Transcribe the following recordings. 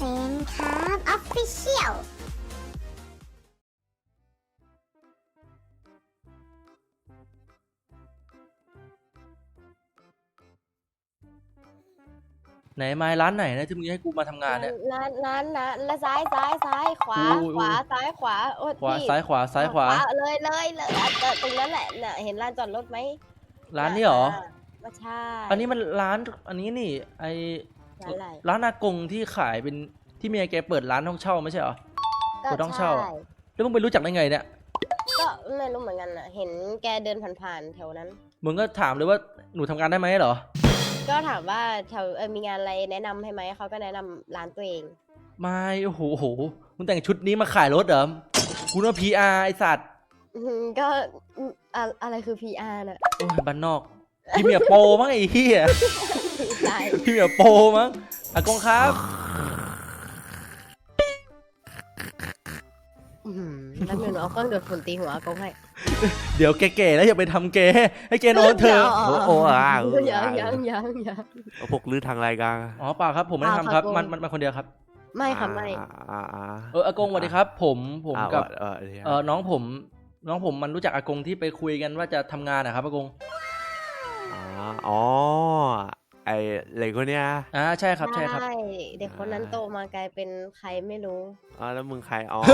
นครับออฟฟิเชียลไหนไม้ร้านไหนนะที่มึงให้กูมาทำงานเนี่ยร้านซ้ายขวาอุ้ยขวาซ้ายขวาโอ้ขวาพี่ซ้ายขวาซ้ายขวาเลยตรงนั้นแหละน่ะเห็นลานจอดรถไหมร้านนี้เหรอไม่ใช่อันนี้มันร้านอันนี้นี่ไอร้านอะไรร้านอากงที่ขายเป็นที่เมียแกเปิดร้านห้องเช่าไม่ใช่เหรอ กูต้องเช่าใแล้วมึงไปรู้จักได้ไงเนี่ยก็ไม่รู้เหมือนกันน่ะเห็นแกเดินผ่านๆแถวนั้นมึงก็ถามเลยว่าหนูทำงานได้ไหมเหรอก็ถามว่าแถวมีงานอะไรแนะนำให้ไหมเขาก็แนะนำร้านตัวเองไม่โอ้โหมึงแต่งชุดนี้มาขายรถเหรอกูน่า PR ไอสัตว์ก็อะไรคือ PR น่ะโอ้ยบ้านนอกพี่เมียโปมั้งไอ้เหี้ยใช่พี่เมียโปมั้งอากงครับแล้วเงินเอาเครื่องดูดฝุ่นตีหัวอากงให้เดี๋ยวแก่ๆแล้วอย่าไปทำแกให้แกนอนเถอะโอ้ยังพวกลื้อทางรายการอ๋อเปล่าครับผมไม่ได้ทำครับเปล่าครับมันคนเดียวครับไม่ค่ะไม่อากงสวัสดีครับ ผมกับเออน้องผมมันรู้จักอากงที่ไปคุยกันว่าจะทำงานนะครับอากงอ๋อไอเหล็กคนเนี้ยใช่ครับใช่ครับใช่เด็กคนนั้นโตมากลายเป็นใครไม่รู้แล้วมึงใครอ๋อ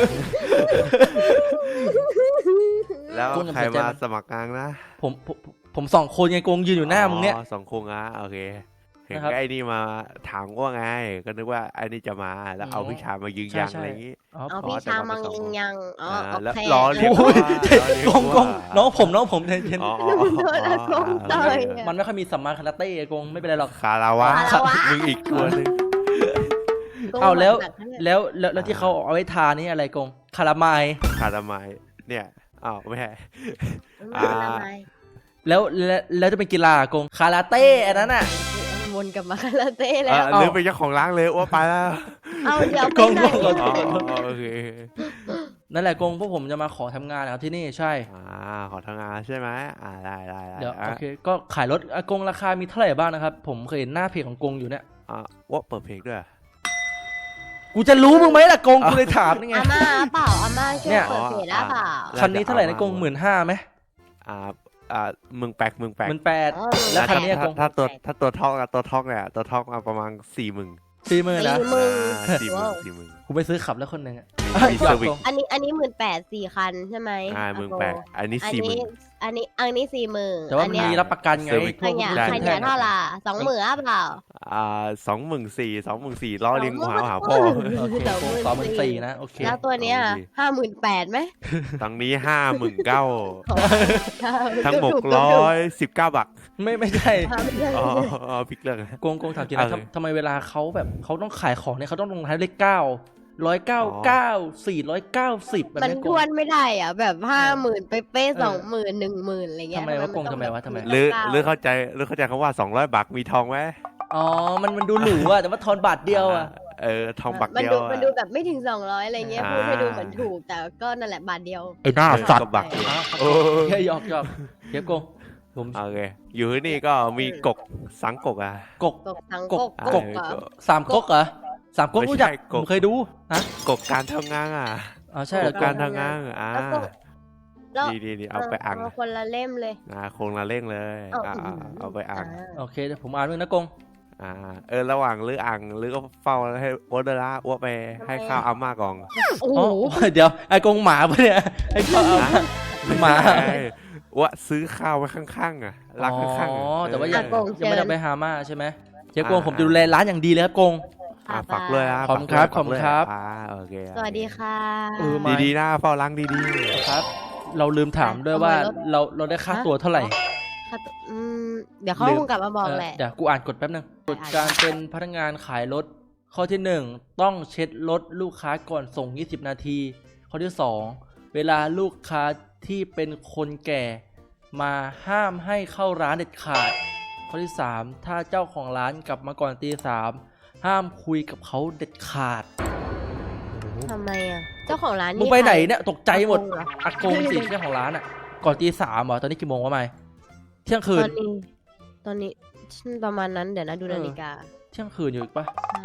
แล้วกงอย่าใครสนใจมามันสมัครงานนะผมสองคนไงกงยืนอยู่หน้ามึงเนี่ยสองคงโอเคเห็นนะครับไอ้นี่มาถามว่าไงก็นึกว่าไอ้นี่จะมาแล้วเอาพี่ชายมายืนยันใช่อะไรอย่างงี้อ๋อเอาพี่ชามังยิงยังอ๋อโอแล้วเคล้อเลียนโอ้ยล้อเลียนกงน้องผมใจเย็นอ๋อโดนอากงต่อยอะมันไม่ค่อยมีสัมมาคาราเต้อากงไม่เป็นไรหรอกคาราวะคาราวะมึงอีกตัวหนึงเอาแล้วหนักนะเนี่ยแล้วที่เขาเอาไว้ทานี่อะไรกงคารามายคารามายเนี่ยอ้าวไม่ใช่ไม่เป็นไรแล้วจะเป็นกีฬาอากงคาราเต้อันนั้นน่ะวนกลับมาคาราเต้แล้วหรือเป็นเจ้าของร้านเลยว่าไปแล้วเอาเดี๋ยวกงไปไหนกงโอเคนั่นแหละกงพวกผมจะมาขอทำงานนะครับที่นี่ใช่ขอทำงานใช่ไหมได้เดี๋ยวโอเคก็ขายรถอากงราคามีเท่าไหร่บ้างนะครับผมเคยเห็นหน้าเพจของกงอยู่เนี่ยว่าเปิดเพลงด้วยกูจะรู้มึงไหมล่ะกงกูเลยถามนี่ไงอาม่าเปล่าอาม่าช่วยเนี่ยเปิดเพจได้เปล่าคันนี้เท่าไหร่นะกง15,000ไหมมึงแปลก 18,000แล้วคันนี้อะกงถ้าตัวท็อกเนี่ยตัวท็อกมาประมาณ40,000 40,000นะ 40,000 กูไปซื้อขับแล้วคนหนึ่งอ่ะมีหยเซออก ร์วิสกงอันนี้18,000 4 คันใช่ไหมมึงแปลกอันนี้อัน 40,000 นี้อันนี้40,000 แต่ว่ามันมีรับประกันไงเซอร์วิสพวกขยะรุ่นได้ขึ้ขนแท่ยะงเท่าไหร่20,000เปล่า 24,000ล้อเลียงหาพ่อโอเคกง24,000นะโอเคแล้วตัวเนี้ย58,000ไหมตรงนี้59,000ทั้งหมด119 บาทไม่ใช่พิกเรื่องกงถามจริงนะโอเคทำไมเวลาเขาแบบเขาต้องขายของเนี่ยเขาต้องลงท้ายเลข9 199 490แบบมันนี้ทวนไม่ได้อ่ะแบบ50,000เป๊ะๆ20,000 10,000อะไรเงี้ยทำไมวะกงทำไมวะทำไมหรือเข้าใจคำว่า200 บาทมีทองไหมอ๋อมันดูหรูอะแต่ว่าทอนบาทเดียวอะทองบาทมันเดียวดูแบบไม่ถึง200อะไรเงี้ยพูดให้ดูเหมือนถูกแต่ก็นั่นแหละบาทเดียวไอ้หน้าสัตว์บาทแค่หยอกเดี๋ยวกงผมโอเคอยู่ที่นี่ก็มีกกสังกกกกกบทั้งกกบกกเหรอสามก๊กเหรอสามก๊กไม่ใช่รู้จักกผบมเคยดูฮะกกการทำงานอ๋อใช่เหรอกการทำงานแล้วดีเอาไปอ่านคนละเล่มเลยคงละเร่งเลย เอาไปอ่านโอเคเดี๋ยวผมอ่านด้วยนะกงระหว่างหรืออ่างหรือก็เฝ้าให้อ้วนเดล่าอ้วไปให้ข้าวอาม่าก่อนโอ้อ๋โหอเดี๋ยวไอ้กงหมาปะเนี่ยไอ้ข้าวหมาอ้วซื้อข้าวไว้ข้างๆรักข้างอ๋อๆแต่ว่ายังไม่ได้ไปหาม่าใช่ไหมเดี๋ยวกงผมจะดูแลร้านอย่างดีเลยครับกงฝากเลยนะขอบคุณครับขอบคุณครับโอเคสวัสดีค่ะดีๆนะเฝ้าล้างดีครับ เราลืมถามด้วยว่าเราได้ค่าตัวเท่าไหร่ค่ะเดี๋ยวเขาคงกลับมาบอกแหละเดี๋ยวกูอ่านกฎแป๊บนึงกฎการเป็นพนักงานขายรถข้อที่ 1 ต้องเช็ดรถลูกค้าก่อนส่ง20 นาทีข้อที่ 2 เวลาลูกค้าที่เป็นคนแก่มาห้ามให้เข้าร้านเด็ดขาดข้อที่ 3 ถ้าเจ้าของร้านกลับมาก่อนตี 3ห้ามคุยกับเขาเด็ดขาดทำไมอ่ะเจ้าของร้านมึนี่งไปไหนเนี่ยตกใจหมดอากงเหรออากงสิเจ้าของร้านอ่ะก่อนตี 3เหรอตอนนี้กี่โมงวะไม่เที่ยงคืนตอนนี้ประมาณนั้นเดี๋ยวนะดูนาฬิกาเที่ยงคืนอยู่อีกปะใช่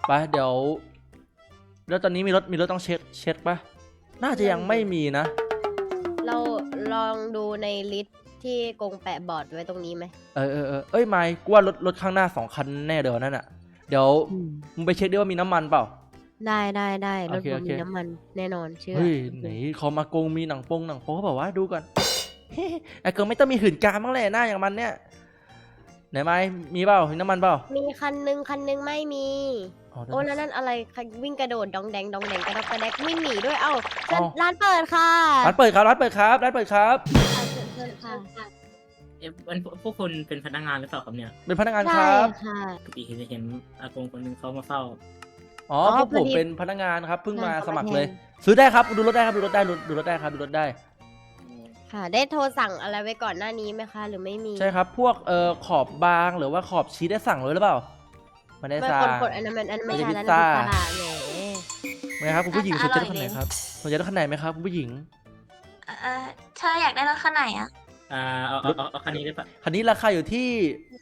ไปเดี๋ยวแล้วตอนนี้มีรถต้องเช็คปะน่าจะยังไม่มีนะเราลองดูในลิสต์ที่กงแปะบอร์ดไว้ตรงนี้ไหมเอ้ยไม่กูว่ารถข้างหน้า2 คันแน่เดี๋ยวนั่นอะเดี๋ยวมึงไปเช็คดิว่ามีน้ำมันเปล่าได้รโอถเคผมโอเคมีน้ำมันแน่นอนเชื่อเฮ้ยไหนเขามาโกงมีหนังโป๊เขาบอกว่าดูก่อน ไอ้เกิร์ลไม่ต้องมีหื่นกามบ้างเลยหน้าอย่างมันเนี่ยไหนไม้มีเปล่ามีน้ำมันเปล่ามีคันนึงไม่มีอ๋อโอ้แล้วนั่นอะไรวิ่งกระโดดดองแดงกระดกกระแดกวิ่งหนีด้วยเอ้าเอ้าร้านเปิดค่ะร้านเปิดครับร้านเปิดครับร้านเปิดครับเชิญค่ะพวกคุณเป็นพนักงานหรือเปล่าครับเนี่ยเป็นพนักงานคใช่รับค่ะปกติเห็นอากงคนหนึงเขามาเฝ้าอ๋ออ๋อพวกผมพอดีเป็นพนักงานครับเพิ่งมาใช่สมัครเขามาเลยแทซื้อได้ครับดูรถได้ครับดูรถได้ดูรถได้ครับดูรถได้ค่ะ ได้โทรสั่งอะไรไว้ก่อนหน้านี้ไหมคะ หรือไม่มีใช่ครับพวกขอบบางหรือว่าขอบชีสได้สั่งเลยหรือเปล่าไม่ได้ไม่สั่งคนอันนั้นไม่ไม่ใช่ใช่พิแล้วซซ่านะพิซซ่าแหมไหมครับคุณผู้หญิงสนใจรถคันไหนอร่อยดีครับสนใจรถคันไหนไหมครับคุณผู้หญิงเธออยากได้รถคันไหนอ่ะเอาคันนี้ได้ปะคันนี้ราคาอยู่ที่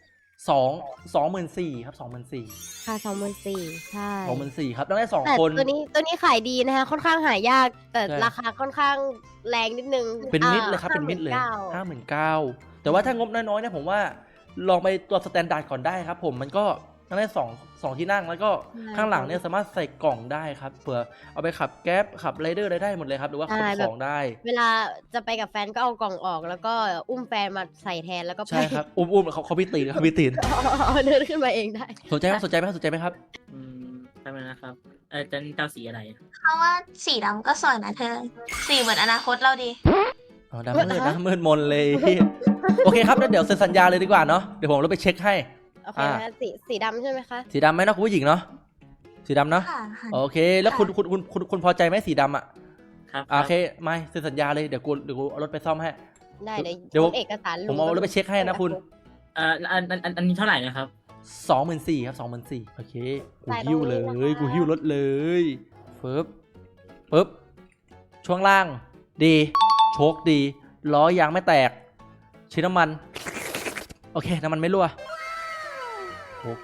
24,000ครับ24,000 ค่ะ24,000ใช่ 24,000ครับต้องได้แต่ 2 คนตัวนี้ขายดีนะคะค่อนข้างหายาก แต่ใช่ราคาค่อนข้างแรงนิดนึงเป็นมิดเลยครับเป็นมิดเลย 59,000 59,000แต่ว่าถ้างบน้อยๆเนี่ยผมว่าลองไปตัวสแตนดาร์ดก่อนได้ครับผมมันก็ต้องได้2ที่นั่งแล้วก็ใช่ข้างหลังเนี่ยสามารถใส่กล่องได้ครับเผื่อเอาไปขับแก๊ปขับไรเดอร์อะไรได้หมดเลยครับหรือว่าขนใช่ขแบบองได้เวลาจะไปกับแฟนก็เอากล่องออก แล้วก็อุ้มแฟนมาใส่แทนแล้วก็ไปใช่ครับอุ้มเขาพี่ตีนเขาพี่ตีนเดินขึ้นมาเองได้สนใจไหมสนใจไหมครับทำไมนะครับจะเจ้าสีอะไรเขาว่าสีดำก็สวยนะเธอ สีเหมือนอนาคตเราดีอ๋อดำมืดนะมืดมนเลย โอเคครับแล้วเดี๋ยวเซ็นสัญญาเลยดีกว่าเนาะเดี๋ยวผมเราไปเช็คให้โอเคนะสีดำใช่ไหมคะสีดำไหมเนาะคุณผู้หญิงเนาะสีดำเนาะค่ะโอเคแล้วคุณพอใจไหมสีดำอ่ะครับโอเคไม่เซ็นสัญญาเลยเดี๋ยวกูเอารถไปซ่อมให้ได้เดี๋ยวขนเอกสารผมเอารถไปเช็คให้นะคุณอันนี้เท่าไหร่นะครับ 24,000ครับ24,000โอเคกูหิ้วเลยกูหิ้วรถเลยปึ๊บช่วงล่างดีโชคดีล้อยางไม่แตกชิ้นน้ำมันโอเคน้ำมันไม่รั่วโอเค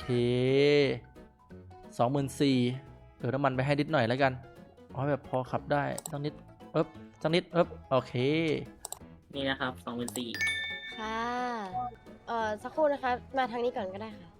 24,000น้ำมันไปให้นิดหน่อยแล้วกันเอาให้แบบพอขับได้สักนิดสักนิดโอเคนี่นะครับ24,000 ค่ะสักครู่นะคะ มาทางนี้ก่อนก็ได้ค่ะ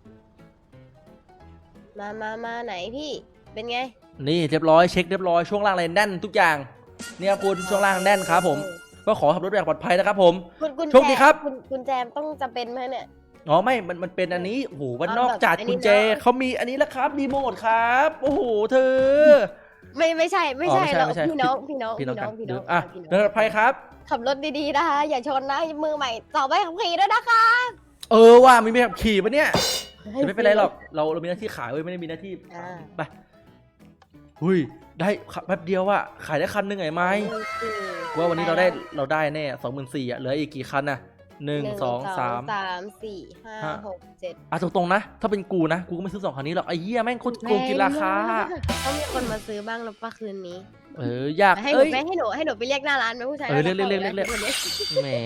มาไหนพี่เป็นไงนี่เรียบร้อยเช็คเรียบร้อยช่วงล่างอะไรแน่นทุกอย่างเนี่ยคุณช่วงล่างแน่นครับผมก็ขอขับรถอย่างปลอดภัยนะครับผมคุณโชคดีครับคุณแจมต้องจำเป็นไหมเนี่ยอ๋อไม่มันเป็นอันนี้โอ้โหวันนอกแบบจัดอันนี้กุญแจเนอะเขามีอันนี้แล้วครับรีโมทครับโอ้โหเธอไม่ใช่อ๋อไม่ใช่เราไม่ใช่พี่น้องพี่น้องกันพี่เดี๋น้ยอวอ่ะพี่น้เดินปลอดภัยครับขับรถดีๆนะคะ อย่าชนนะมือใหม่ต่อไปขับขี่ด้วยนะคะว่ามีแบบขี่ปะเนี่ยแต่ไม่เป็นไรหรอกเรามีหน้าที่ขายเว้ยไม่ได้มีหน้าที่อ่าไปหุยได้ขับแป๊บเดียวอะขายได้คันหนึงไงไหมว่าวันนี้เราได้แน่24,000อะเหลืออีกกี่คันอะ1 2 3 4 5 6 7 อ่ะตรงๆนะถ้าเป็นกูนะกูก็ไม่ซื้อ2คันนี้หรอกไอ้เหี้ยแม่งโคตรโกงกินราคาต้องมีคนมาซื้อบ้างหรือเปล่าคืนนี้อยากให้หนูให้หนูไปเรียกหน้าร้านไหมผู้ชายเรียกแหม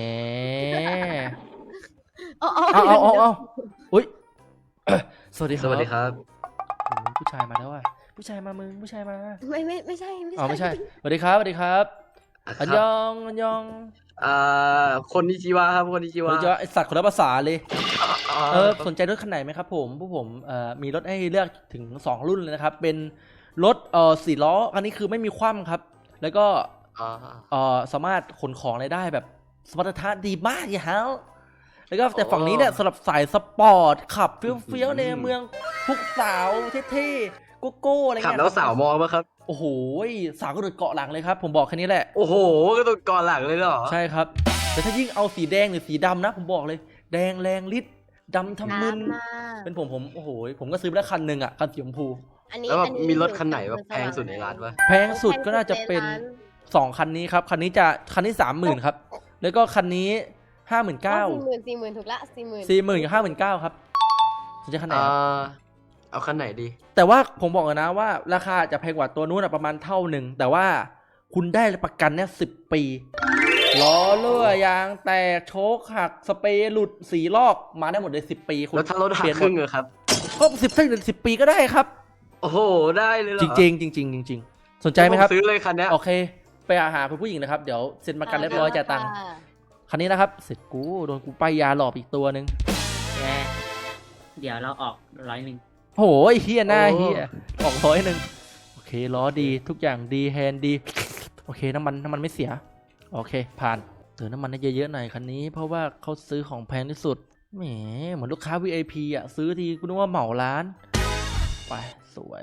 เอาเอาอุ้ย สวัสดีครับสวัสดีครับผู้ชายมาแล้วอ่ะผู้ชายมามึงผู้ชายมาไม่ใช่อ๋อไม่ใช่สวัสดีครับอันยองคนนิจิวะครับ คนนิจิวะเดี๋ยวไอสัตว์คนละภาษาเลยสนใจรถคันไหนไหมครับผมผู้ผมมีรถให้เลือกถึง2รุ่นเลยนะครับเป็นรถ4 ล้อคันนี้คือไม่มีคว่ำครับแล้วก็สามารถขนของได้แบบสมรรถนะดีมากอย่าฮะแล้วก็แต่ฝั่งนี้เนี่ยสำหรับสายสปอร์ตขับเฟี้ยวๆในเมืองทุกสาวเท่ๆโก้อะไรขับเงี้ยแล้วสาวมองปะครับโอ้โหสาวก็โดดเกาะหลังเลยครับผมบอกแค่นี้แหละโอ้โห ก็ต้องก่อนหลังเลยเหรอใช่ครับแต่ถ้ายิ่งเอาสีแดงหรือสีดำนะผมบอกเลยแดงแรงฤทธิ์ดำทำมึนเป็นผมโอ้โหผมก็ซื้อไปแล้วคันหนึ่งอ่ะคันสีชมพูแล้วแบบมีรถคันไหนแบบแพงสุดในร้านปะแพงสุดก็น่าจะเป็น2คันนี้ครับคันนี้30,000ครับแล้วก็คันนี้59,000 40,000ถูกละ 40,000 กับ 59,000ครับสนใจคันไหนครับเอาคันไหนดีแต่ว่าผมบอกเลยนะว่าราคาจะแพงกว่าตัวนู้นประมาณเท่าหนึ่งแต่ว่าคุณได้ประกันเนี่ย10 ปีล้อเลื่อยางแตกโชคหักสเปรย์หลุดสีลอกมาได้หมดเลย10 ปีคุณแล้วถ้ารถหักเปลี่ยนครึ่งเหรอครับก็10 ปีก็ได้ครับโอ้โหได้เลยเหรอจริงๆจริงๆจริงๆสนใจไหมครับผซื้อเลยคันเนี้ยโอเค ไปหาคุณผู้หญิงนะครับ เดี๋ยวเซ็นประกันเรียบร้อยจ่ายตังค์ค่ะคันนี้นะครับ เสร็จกูโดนกูป้ายยาหลอกอีกตัวหนึ่งแกเดี๋ยวเราออก100 โหไอ้เฮียหน้าเฮียออก100โอเคล้อดีทุกอย่างดีแฮนด์ดี โอเคน้ำมันไม่เสีย โอเค ผ่านเติมน้ำมันให้เยอะๆหน่อยคันนี้เพราะว่าเขาซื้อของแพงที่สุดแหมเหมือนลูกค้า VIP อ่ะซื้อทีกูนึกว่าเหมาร้าน ไปสวย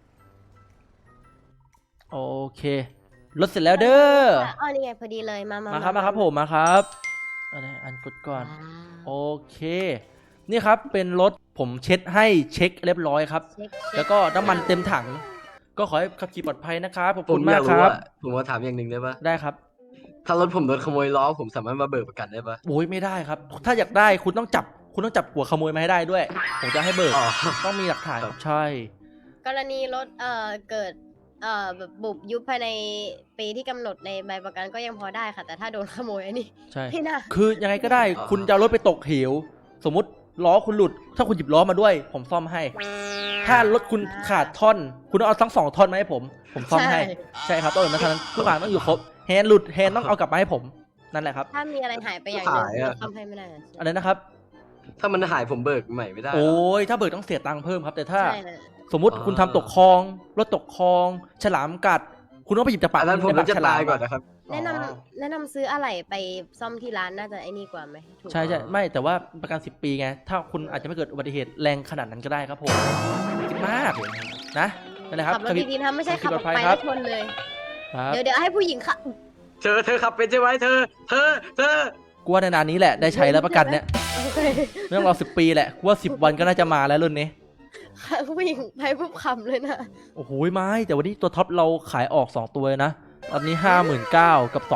โอเครถเสร็จแล้วเด้ออ๋อนี่ไงพอดีเลยมามาครับผมมาครับอันกดก่อน โอเค นี่ครับเป็นรถผมเช็ดให้เช็คเรียบร้อยครับ แล้วก็น้ำมันเต็มถัง ก็ขอให้ขับขี่ปลอดภัยนะครับขอบผคุมณอมายาก กครู้รับว่าผมมาถามอย่างหนึ่งได้ปะได้ครับถ้ารถผมโดนขโมยล้อผมสามารถมาเบิกประกันได้ปะโอ้ยไม่ได้ครับ ถ้าอยากได้คุณต้องจับหัวขโมยมาให้ได้ด้วย ผมจะให้เบิกอ๋อต้องมีหลักฐานครับใช่กรณีรถเกิดแบบบุบยุบภายในปีที่กำหนดในใบประกันก็ยังพอได้ค่ะ แต่ถ้าโดนขโมยอันนี้ใช่ไม่น่าคือยังไงก็ได้คุณจะเอารถไปตกเหว สมมติล้อคุณหลุด ถ้าคุณหยิบล้อมาด้วย ผมซ่อมให้ ถ้ารถคุณขาดท่อน คุณต้องเอาทั้ง2ท่อนมาให้ผมซ่อมให้ ใช่ครับต้องอย่างนั้นทุกอย่างต้องอยู่ครบแฮนด์หลุดแฮนด์ต้องเอากลับมาให้ผมนั่นแหละครับถ้ามีอะไรหายไปอย่างหนึ่งเราทำให้ไม่ได้นะอะไรนะครับถ้ามันหายผมเบิกใหม่ไม่ได้เหรโอ้ยถ้าเบิกต้องเสียตังค์เพิ่มครับ แต่ถ้าใช่นะสมมุติคุณทำตกคลองรถตกคลอง ฉลามกัด คุณต้องไปหยิบจากปากอันนั้นผมในปจะฉลตายก่อนนะครับแนะนำซื้ออะไรไปซ่อมที่ร้านน่าจะไอ้นี่กว่าไหมถูกใช่ไม่แต่ว่าประกัน10 ปีไงถ้าคุณอาจจะไม่เกิดอุบัติเหตุแรงขนาดนั้นก็ได้ครับผมคิดมากนะนั่นแหละครับขับรถดีๆนะไม่ใช่ขับออกไปครัแล้บวชนเลยครับเดี๋ยวให้ผู้หญิงขับเธอขับเป็นใช่ไหมเธอกูว่าในนานนี้แหละได้ใช้แล้วประกันเนี่ยโอเคไม่ต้องรอ10 ปีแหละกูว่า10 วันก็น่าจะมาแล้วรุ่นนี้ผู้หญิงไปปุ๊บคำเลยนะโอ้โหไม่แต่วันนี้ตัวท็อปเราขายออก2ตัวเลยนะตอนนี้ 59,000กับ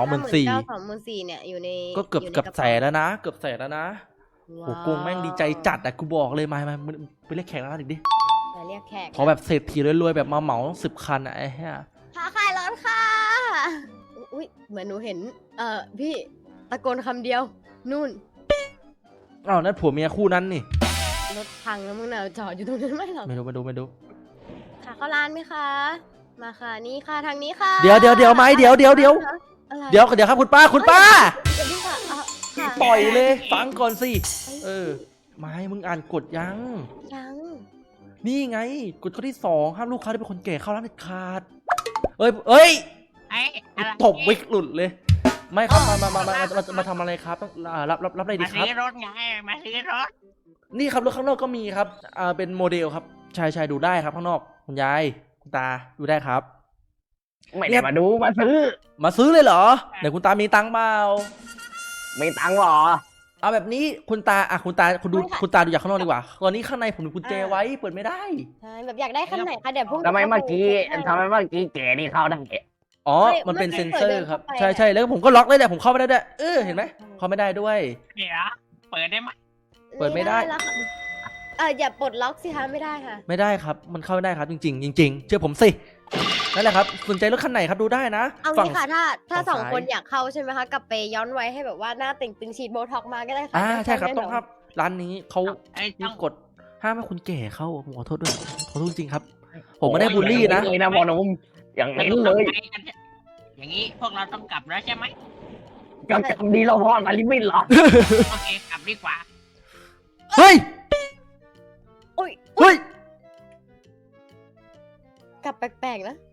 24,000 เนี่ยอยู่ในก็เกือบแสนแล้วนะเกือบแสนแล้วนะโอ้โหกงแม่งดีใจจัดอะกูบอกเลยมาไปเรียกแขกร้านอีกดิเรียกแขกขอแบบเศรษฐีรวยๆแบบมาเหมา10 คันอะไอ้เหี้ยพาขายรถค่ะอุ้ยเหมือนหนูเห็นพี่ตะโกนคำเดียวนู่นอ้าวนั่นผัวเมียคู่นั้นนี่รถพังแล้วมึงน่ะจอดอยู่ตรงนั้นไม่หรอกไม่ดูค่ะเข้าร้านไหมคะ มาค่ะนี่ค่ะทางนี้ค่ะเดี๋ยวไหมเดี๋ยวอะไรเดี๋ยวครับคุณป้าเดี๋ยวพี่ค่ะค่ะปล่อยเลยฟังก่อนสิไม่มึงอ่านกฎยังยังนี่ไงกฎข้อที่2ห้ามลูกค้าที่เป็นคนแก่เข้าร้านเด็ดขาดเอ้ยไอ้อะไรตบวิกหลุดเลย ไม่ครับมาทำอะไรครับต้องรับอะไรดีมาครับซื้อรถไงมาซื้อรถนี่ครับรถข้างนอกก็มีครับเป็นโมเดลครับใช่ดูได้ครับข้างนอกคุณยายคุณตาดูได้ครับไม่ได้มาดูมาซื้อมาซื้อเลยเหรอไหนคุณตามีตังค์เปล่าไม่ตังค์หรอเอาแบบนี้คุณตาคุณตาดูจากข้างนอกดีกว่าตอนนี้ข้างในผมมีกุญแจไว้เปิดไม่ได้ใช่แบบอยากได้คันไหนคะเดี๋ยวพวกทำไมเมื่อกี้แกนี่เข้าได้อ๋อมันเป็นเซ็นเซอร์ครับใช่แล้วผมก็ล็อกได้แต่ผมเข้าไม่ได้ด้วยเห็นไหมเข้าไม่ได้ด้วยเดี๋ยวเปิดได้ไหมเปิดไม่ได้แล้วค่ะอย่าปลดล็อกสิคะไม่ได้ค่ะไม่ได้ครับมันเข้าไม่ได้ครับจริงๆเชื่อผมสินั่นแหละครับสนใจรถคันไหนครับดูได้นะเอาฝั่งงี้ค่ะถ้าฝั่งสองซ้ายคนอยากเข้าใช่ไหมคะกลับไปย้อนไว้ให้แบบว่าหน้าติ่งตึงฉีดโบท็อกมาก็ได้ค่ะใช่ครับแน่นนต้องครับร้านนี้เขาไอ้มีต้องกฎห้ามให้คุณแก่เข้าผมขอโทษด้วยขอโทษจริงๆครับ ผมไม่ได้บูลลี่นะเลยนะพ่อหนุ่มอย่างนี้เลยอย่างนี้พวกเราต้องกลับแล้วใช่ไหมก็จำดีเราพ่อมาลิมิตหรอโอเคกลับดีกว่าเฮ้ยอุ้ยเฮ้ยกลับแปลกๆนะ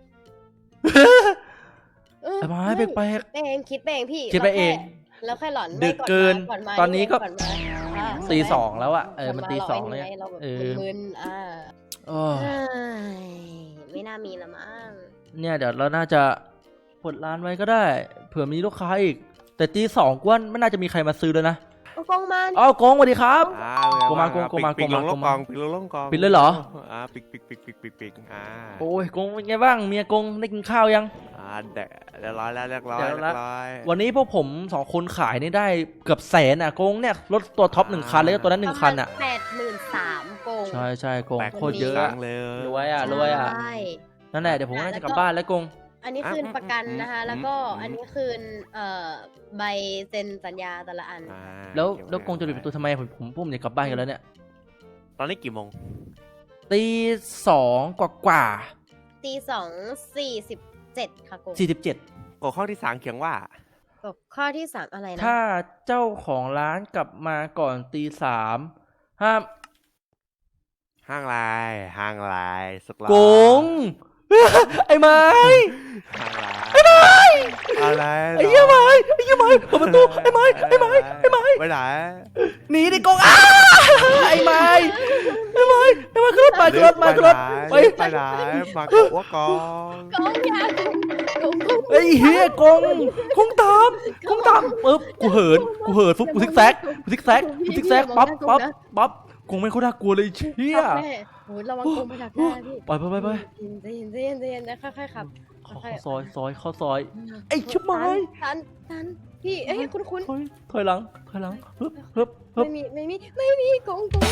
ไอ้ไม้แปลกคิดไปเองพี่คิดไปเองแล้วค่อยหลอนดึกเกินมาตอนนี้ก็ก่มาอ่าตี 2แล้วอะมันตี 2 เลเลยเราแบบเออมึนๆโอ้เอ้ยไม่น่ามีละมั้งเนี่ยเดี๋ยวเราน่าจะเปิดร้านไว้ก็ได้ เผื่อมีลูกค้าอีก แต่ตี 2กว่าไม่น่าจะมีใครมาซื้อเลยนะเอากล้องมาอ้าวกงสวัสดีครับปิดลงปิดกองปิดลงกองปิดเลยเหรอปิดโอ้ยกงเป็นไงบ้างเมียกงได้กินข้าวยังเรียบร้อยแล้วเรียบร้อยวันนี้พวกผม2คนขายนี่ได้เกือบแสนอ่ะกงเนี่ยรถตัวท็อป1 คันแล้วก็ตัวนั้น1 คันอ่ะ 83,000โกงใช่กงแปลกโคตรเยอะเลยรวยอ่ะรวยอ่ะใช่นั่นแหละเดี๋ยวผมน่าจะกลับบ้านแล้วกงอันนี้คืนประกันนะคะ แล้วก็อันนี้คืนใบเซ็นสัญญาแต่ละอันแล้วกงจะปิดประตูทำไมผมอยากกลับบ้านกันแล้วเนี่ยตอนนี้กี่โมงตีสองกว่าตี2:47ค่ะกู 47 กฎข้อที่3เขียนว่ากฎข้อที่3อะไรนะถ้าเจ้าของร้านกลับมาก่อนตีสามห้ามห้างลายห้างลายสุกล้อโกง ไอ้ไม้ห้างลายไอ้ไม้อะไรไอ้เหี้ยไม้เปิดประตูไอ้ไม้ไปไหนหนีดิโกงอ้าไอ้ไม้ขึ้นรถไปขึ้นรถไปไปไหนมากับอ้วกกองโกงยาโกงไอ้เฮียโกงตามปึ๊บกูเหินฟุ๊บกูซิกแซกปั๊บโกงไม่ค่อยน่ากลัวเลยเชี่ยโอ้ยระวังโกงไปดักหน้าพี่ไปใจเย็นนะค่อยๆขับเข้าซอยไอ้ชิบไม้ทันพี่เอ้ยคุ้นถอยหลังฮึบๆไม่มีโกงเธอ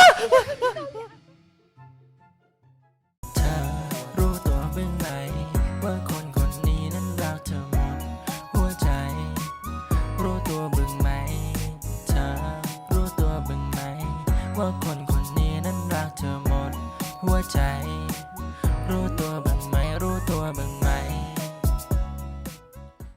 รู้ตัวบ้างไหมว่าคนคนนี้นั้นรักเธอหมดหัวใจ รู้ตัวบ้างไหมเธอรู้ตัวบ้างไหมว่าคนคนนี้นั้นรักเธอหมดหัวใจ รู้ตัวบ้าง